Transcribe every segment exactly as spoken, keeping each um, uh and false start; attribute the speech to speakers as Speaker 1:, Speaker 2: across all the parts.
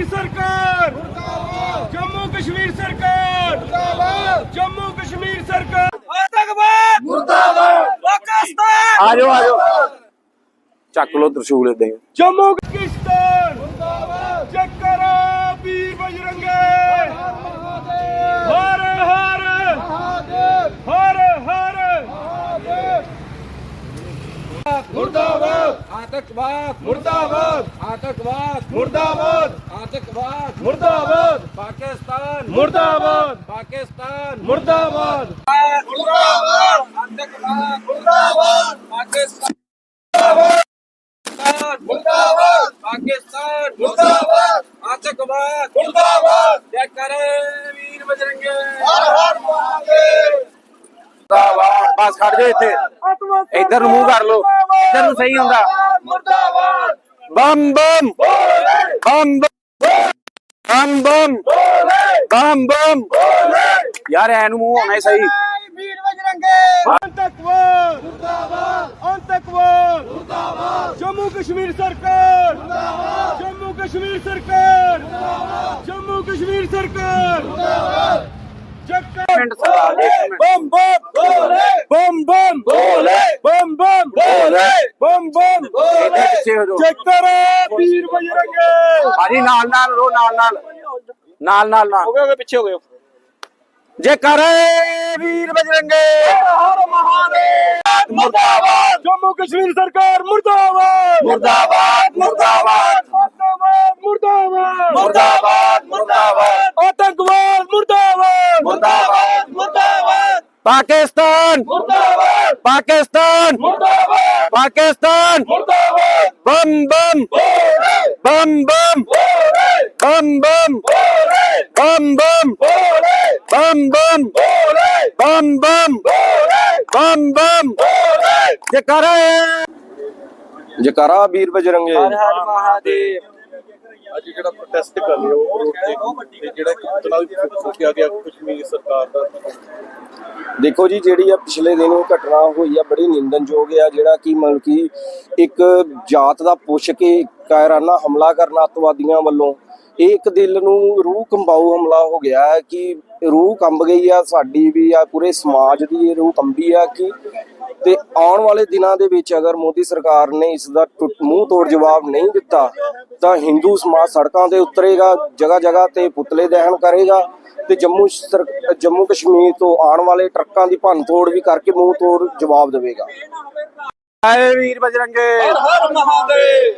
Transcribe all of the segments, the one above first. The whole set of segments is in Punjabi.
Speaker 1: सरकार जम्मू कश्मीर सरकार जम्मू कश्मीर सरकार आतंकवाद मुर्दाबाद पाकिस्तान
Speaker 2: आ जाओ आ जाओ ਚੱਕ ਲੋ ਤਰਸ਼ੂਲ ਇਦਾਂ ਹੀ
Speaker 1: जम्मू पाकिस्तान मुर्दाबाद जयकारा वीर बजरंगे हर हर हर हर मुर्दाबाद आतंकवाद मुर्दाबाद आतंकवाद मुर्दाबाद आतंकवाद मुर्दाबाद पाकिस्तान मुर्दाबाद पाकिस्तान मुर्दाबाद मुर्दाबाद आतंकवाद मुर्दाबाद पाकिस्तान मुर्दाबाद पाकिस्तान मुर्दाबाद आतंकवाद मुर्दाबाद जय करे वीर बजरंगे हर हर महादेव
Speaker 2: ਮੁਰਦਾਬਾਦ ਬਸ ਖੜ ਜਾ ਇੱਥੇ ਇੱਧਰ ਨੂੰ ਮੂੰਹ ਕਰ ਲੋ ਇੱਧਰ ਨੂੰ ਸਹੀ ਹੁੰਦਾ
Speaker 1: मुर्दाबाद
Speaker 2: ਬੰਮ ਬੰਮ ਬੰਮ ਬੰਮ ਬੰਮ ਬੰਮ ਬੰਮ ਯਾਰ ਐ ਨੂੰ ਮੂੰਹ ਹੋਣਾ ਸਹੀ
Speaker 1: वीर बजरंगे आतंकवाद मुर्दाबाद आतंकवाद मुर्दाबाद जम्मू कश्मीर सरकार मुर्दाबाद जम्मू कश्मीर सरकार मुर्दाबाद जम्मू कश्मीर सरकार मुर्दाबाद
Speaker 2: ਮਿੰਟ ਸਰਦਾਰ ਜੀ, ਇੱਕ ਮਿੰਟ।
Speaker 1: बम बम बोले बम बम बोले बम बम बोले बम बम
Speaker 2: ਇੱਥੇ ਪਿੱਛੇ ਹੋ ਜਾਓ
Speaker 1: जयकारा वीर बजरंगे
Speaker 2: ਭਾਜੀ ਨਾਲ ਨਾਲ ਰੋ ਨਾਲ ਨਾਲ ਨਾਲ ਨਾਲ ਨਾਲ
Speaker 1: हो गए पीछे हो गए
Speaker 2: ਜੇ ਕਰੇ ਵੀਰ ਬਜਰੰਗੇ
Speaker 1: हर महादेव मुर्दाबाद जम्मू कश्मीर सरकार मुर्दाबाद
Speaker 2: मुर्दाबाद मुर्दाबाद
Speaker 1: मुर्दाबाद मुर्दाबाद
Speaker 2: मुर्दाबाद मुर्दाबाद
Speaker 1: आतंकवाद मुर्दाबाद
Speaker 2: मुर्दाबाद
Speaker 1: मुर्दाबाद
Speaker 2: पाकिस्तान
Speaker 1: मुर्दाबाद
Speaker 2: पाकिस्तान
Speaker 1: मुर्दाबाद
Speaker 2: पाकिस्तान
Speaker 1: मुर्दाबाद
Speaker 2: बम बम बम बम बम बम बम बम बम बम बम बम बम बम जयकारा
Speaker 3: ਜਕਾਰਾ ਵੀਰ ਬਜਰੰਗੇ
Speaker 2: हर महादेव
Speaker 4: ਅੱਜ ਜਿਹੜਾ ਪ੍ਰੋਟੈਸਟ ਕਰ ਰਹੇ ਹੋ ਰੋਡ ਤੇ ਤੇ ਜਿਹੜਾ ਚੁਣਾਵੀ ਫੂਕਿਆ ਗਿਆ ਕਸ਼ਮੀਰ ਸਰਕਾਰ ਦਾ
Speaker 3: ਦੇਖੋ ਜੀ ਜਿਹੜੀ ਆ ਪਿਛਲੇ ਦਿਨ ਉਹ ਘਟਨਾ ਹੋਈ ਆ ਬੜੀ ਨਿੰਦਨਯੋਗ ਆ ਜਿਹੜਾ ਕਿ ਮਤਲਬ ਕਿ ਇੱਕ ਜਾਤ ਦਾ ਪੁੱਛ ਕੇ ਕਾਇਰਾਨਾ ਹਮਲਾ ਕਰਨਾ ਅੱਤਵਾਦੀਆਂ ਵੱਲੋਂ ਇਹ ਇੱਕ ਦਿਲ ਨੂੰ ਰੂਹ ਕੰਬਾਊ ਹਮਲਾ ਹੋ ਗਿਆ ਹੈ ਕਿ ਰੂਹ ਕੰਬ ਗਈ ਆ ਸਾਡੀ ਵੀ ਆ ਪੂਰੇ ਸਮਾਜ ਦੀ ਇਹ ਰੂਹ ਕੰਬੀ ਆ ਕਿ ਤੇ ਆਉਣ ਵਾਲੇ ਦਿਨਾਂ ਦੇ ਵਿੱਚ ਅਗਰ ਮੋਦੀ ਸਰਕਾਰ ਨੇ ਇਸ ਦਾ ਮੂੰਹ ਤੋੜ ਜਵਾਬ ਨਹੀਂ ਦਿੱਤਾ ਤਾਂ ਹਿੰਦੂ ਸਮਾਜ ਸੜਕਾਂ ਤੇ ਉਤਰੇਗਾ ਜਗ੍ਹਾ ਜਗ੍ਹਾ ਤੇ ਪੁਤਲੇ ਦਹਨ ਕਰੇਗਾ ਤੇ ਜੰਮੂ ਜੰਮੂ ਕਸ਼ਮੀਰ ਤੋਂ ਆਉਣ ਵਾਲੇ ਟਰੱਕਾਂ ਦੀ ਭੰਨ ਤੋੜ ਵੀ ਕਰਕੇ ਮੂੰਹ ਤੋੜ ਜਵਾਬ ਦੇਵੇਗਾ
Speaker 2: ਆਏ ਵੀਰ ਬਜਰੰਗੇ
Speaker 1: हर महादेव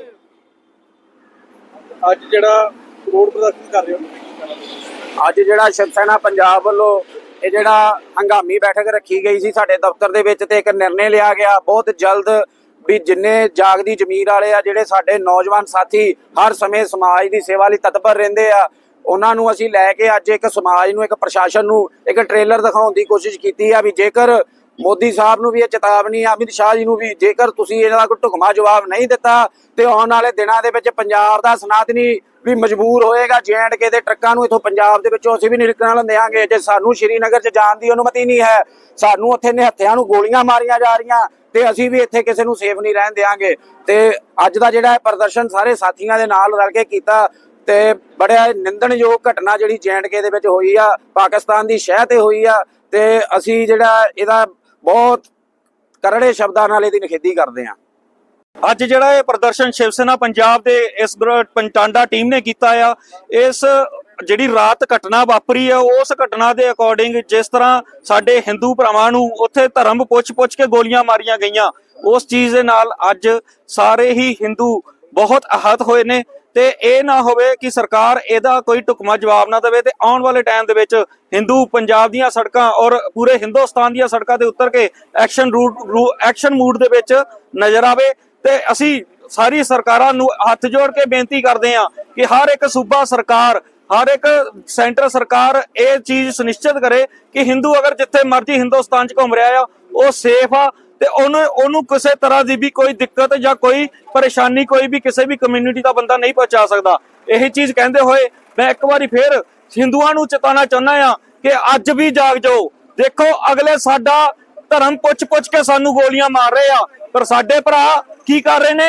Speaker 4: ਅੱਜ ਜਿਹੜਾ ਰੋਡ ਪ੍ਰਦਰਸ਼ਨ ਕਰ ਰਹੇ ਹੋ
Speaker 2: ਅੱਜ ਜਿਹੜਾ ਸ਼ਿਵ ਸੈਨਾ ਪੰਜਾਬ ਵੱਲੋਂ ਇਹ ਜਿਹੜਾ ਹੰਗਾਮੀ ਬੈਠਕ ਰੱਖੀ ਗਈ ਸੀ ਸਾਡੇ ਦਫ਼ਤਰ ਦੇ ਵਿੱਚ ਤੇ ਇੱਕ ਨਿਰਣੇ ਲਿਆ ਗਿਆ ਬਹੁਤ ਜਲਦ ਵੀ ਜਿੰਨੇ ਜਾਗਦੀ ਜ਼ਮੀਰ ਵਾਲੇ ਆ ਜਿਹੜੇ ਸਾਡੇ ਨੌਜਵਾਨ ਸਾਥੀ ਹਰ ਸਮੇਂ ਸਮਾਜ ਦੀ ਸੇਵਾ ਲਈ ਤਤਪਰ ਰਹਿੰਦੇ ਆ ਉਹਨਾਂ ਨੂੰ ਅਸੀਂ ਲੈ ਕੇ ਅੱਜ ਇੱਕ ਸਮਾਜ ਨੂੰ ਇੱਕ ਪ੍ਰਸ਼ਾਸਨ ਨੂੰ ਇੱਕ ਟ੍ਰੇਲਰ ਦਿਖਾਉਣ ਦੀ ਕੋਸ਼ਿਸ਼ ਕੀਤੀ ਆ ਵੀ ਜੇਕਰ ਮੋਦੀ ਸਾਹਿਬ ਨੂੰ ਵੀ ਇਹ ਚੇਤਾਵਨੀ ਆ ਅਮਿਤ ਸ਼ਾਹ ਜੀ ਨੂੰ ਵੀ ਜੇਕਰ ਤੁਸੀਂ ਇਹਨਾਂ ਦਾ ਕੋਈ ਢੁਕਮਾ ਜਵਾਬ ਨਹੀਂ ਦਿੱਤਾ ਤੇ ਆਉਣ ਵਾਲੇ ਦਿਨਾਂ ਦੇ ਵਿੱਚ ਪੰਜਾਬ ਦਾ ਸਨਾਤਨੀ ਵੀ ਮਜਬੂਰ ਹੋਏਗਾ ਜੇ ਐਂਡ ਕੇ ਦੇ ਟਰੱਕਾਂ ਨੂੰ ਇਥੋਂ ਪੰਜਾਬ ਦੇ ਵਿੱਚੋਂ ਅਸੀਂ ਵੀ ਨਹੀਂ ਨਿਕਲਣ ਦੇਵਾਂਗੇ ਜੇ ਸਾਨੂੰ ਸ਼੍ਰੀਨਗਰ 'ਚ ਜਾਣ ਦੀ ਅਨੁਮਤੀ ਨਹੀਂ ਹੈ ਸਾਨੂੰ ਉੱਥੇ ਨਿਹੱਥਿਆਂ ਨੂੰ ਗੋਲੀਆਂ ਮਾਰੀਆਂ ਜਾ ਰਹੀਆਂ ਤੇ ਅਸੀਂ ਵੀ ਇੱਥੇ ਕਿਸੇ ਨੂੰ ਸੇਫ ਨਹੀਂ ਰਹਿਣ ਦੇਵਾਂਗੇ ਤੇ ਅੱਜ ਦਾ ਜਿਹੜਾ ਪ੍ਰਦਰਸ਼ਨ ਸਾਰੇ ਸਾਥੀਆਂ ਦੇ ਨਾਲ ਰਲ ਕੇ ਕੀਤਾ ਤੇ ਬੜਾ ਨਿੰਦਣਯੋਗ ਘਟਨਾ ਜਿਹੜੀ ਜੇ ਐਂਡ ਕੇ ਦੇ ਵਿੱਚ ਹੋਈ ਆ ਪਾਕਿਸਤਾਨ ਦੀ ਸ਼ਹਿ ਤੇ ਹੋਈ ਆ ਤੇ ਅਸੀਂ ਜਿਹੜਾ ਇਹਦਾ ਬਹੁਤ ਕਰੜੇ ਸ਼ਬਦਾਂ ਨਾਲ ਇਹਦੀ ਨਿਖੇਧੀ ਕਰਦੇ ਹਾਂ
Speaker 5: ਅੱਜ ਜਿਹੜਾ ਇਹ ਪ੍ਰਦਰਸ਼ਨ ਸ਼ਿਵ ਸੈਨਾ ਪੰਜਾਬ ਦੇ ਇਸ ਪੰਟਾਂਡਾ ਟੀਮ ਨੇ ਕੀਤਾ ਆ ਇਸ ਜਿਹੜੀ ਰਾਤ ਘਟਨਾ ਵਾਪਰੀ ਆ ਉਸ ਘਟਨਾ ਦੇ ਅਕੋਰਡਿੰਗ ਜਿਸ ਤਰ੍ਹਾਂ ਸਾਡੇ ਹਿੰਦੂ ਭਰਾਵਾਂ ਨੂੰ ਉੱਥੇ ਧਰਮ ਪੁੱਛ-ਪੁੱਛ ਕੇ ਗੋਲੀਆਂ ਮਾਰੀਆਂ ਗਈਆਂ ਉਸ ਚੀਜ਼ ਦੇ ਨਾਲ ਅੱਜ ਸਾਰੇ ਹੀ ਹਿੰਦੂ ਬਹੁਤ ਆਹਤ ਹੋਏ ਨੇ ਤੇ ਇਹ ਨਾ ਹੋਵੇ ਕਿ ਸਰਕਾਰ ਇਹਦਾ ਕੋਈ ਢੁਕਵਾਂ ਜਵਾਬ ਨਾ ਦੇਵੇ ਤੇ ਆਉਣ ਵਾਲੇ ਟਾਈਮ ਦੇ ਵਿੱਚ ਹਿੰਦੂ ਪੰਜਾਬ ਦੀਆਂ ਸੜਕਾਂ ਔਰ ਪੂਰੇ ਹਿੰਦੁਸਤਾਨ ਦੀਆਂ ਸੜਕਾਂ ਤੇ ਉਤਰ ਕੇ ਐਕਸ਼ਨ ਰੂਟ ਐਕਸ਼ਨ ਮੂਡ ਦੇ ਵਿੱਚ ਨਜ਼ਰ ਆਵੇ ਤੇ ਅਸੀਂ ਸਾਰੀ ਸਰਕਾਰਾਂ ਨੂੰ ਹੱਥ ਜੋੜ ਕੇ ਬੇਨਤੀ ਕਰਦੇ ਹਾਂ ਕਿ ਹਰ ਇੱਕ ਸੂਬਾ ਸਰਕਾਰ ਹਰ ਇੱਕ ਸੈਂਟਰ ਸਰਕਾਰ ਇਹ ਚੀਜ਼ ਸੁਨਿਸ਼ਚਿਤ ਕਰੇ ਕਿ ਹਿੰਦੂ ਅਗਰ ਜਿੱਥੇ ਮਰਜ਼ੀ ਹਿੰਦੁਸਤਾਨ 'ਚ ਘੁੰਮ ਰਿਹਾ ਆ ਉਹ ਸੇਫ ਆ ਤੇ ਉਹਨੂੰ ਉਹਨੂੰ ਕਿਸੇ ਤਰ੍ਹਾਂ ਦੀ ਵੀ ਕੋਈ ਦਿੱਕਤ ਜਾਂ ਕੋਈ ਪਰੇਸ਼ਾਨੀ ਕੋਈ ਵੀ ਕਿਸੇ ਵੀ ਕਮਿਊਨਿਟੀ ਦਾ ਬੰਦਾ ਨਹੀਂ ਪਹੁੰਚਾ ਸਕਦਾ। ਇਹੀ ਚੀਜ਼ ਕਹਿੰਦੇ ਹੋਏ ਮੈਂ ਇੱਕ ਵਾਰੀ ਫੇਰ ਹਿੰਦੂਆਂ ਨੂੰ ਚੇਤਾਉਣਾ ਚਾਹੁੰਦਾ ਆ ਕਿ ਅੱਜ ਵੀ ਜਾਗ ਜਾਓ। ਦੇਖੋ ਅਗਲੇ ਸਾਡਾ ਧਰਮ ਪੁੱਛ ਪੁੱਛ ਕੇ ਸਾਨੂੰ ਗੋਲੀਆਂ ਮਾਰ ਰਹੇ ਆ ਪਰ ਸਾਡੇ ਭਰਾ ਕੀ ਕਰ ਰਹੇ ਨੇ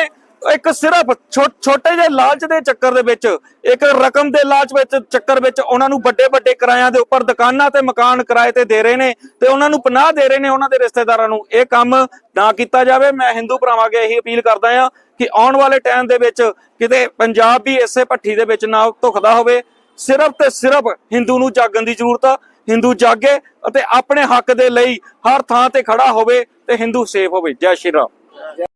Speaker 5: ਇੱਕ ਸਿਰਫ ਛੋ- ਛੋਟੇ ਜਿਹੇ ਲਾਲਚ ਦੇ ਚੱਕਰ ਦੇ ਵਿੱਚ, ਇੱਕ ਰਕਮ ਦੇ ਲਾਲਚ ਵਿੱਚ ਚੱਕਰ ਵਿੱਚ ਉਹਨਾਂ ਨੂੰ ਵੱਡੇ ਵੱਡੇ ਕਿਰਾਇਆਂ ਦੇ ਉੱਪਰ ਦੁਕਾਨਾਂ ਤੇ ਮਕਾਨ ਕਿਰਾਏ ਤੇ ਦੇ ਰਹੇ ਨੇ ਤੇ ਉਹਨਾਂ ਨੂੰ ਪਨਾਹ ਦੇ ਰਹੇ ਨੇ ਉਹਨਾਂ ਦੇ ਰਿਸ਼ਤੇਦਾਰਾਂ ਨੂੰ। ਇਹ ਕੰਮ ਨਾ ਕੀਤਾ ਜਾਵੇ। ਮੈਂ ਹਿੰਦੂ ਭਰਾਵਾਂ ਅੱਗੇ ਇਹੀ ਅਪੀਲ ਕਰਦਾ ਹਾਂ ਕਿ ਆਉਣ ਵਾਲੇ ਟਾਈਮ ਦੇ ਵਿੱਚ ਕਿਤੇ ਪੰਜਾਬ ਵੀ ਇਸੇ ਭੱਠੀ ਦੇ ਵਿੱਚ ਨਾ ਧੁਖਦਾ ਹੋਵੇ। ਸਿਰਫ ਤੇ ਸਿਰਫ ਹਿੰਦੂ ਨੂੰ ਜਾਗਣ ਦੀ ਜ਼ਰੂਰਤ ਆ। ਹਿੰਦੂ ਜਾਗੇ ਅਤੇ ਆਪਣੇ ਹੱਕ ਦੇ ਲਈ ਹਰ ਥਾਂ ਤੇ ਖੜਾ ਹੋਵੇ ਤੇ ਹਿੰਦੂ ਸੇਫ ਹੋਵੇ। ਜੈ ਸ਼੍ਰੀ ਰਾਮ।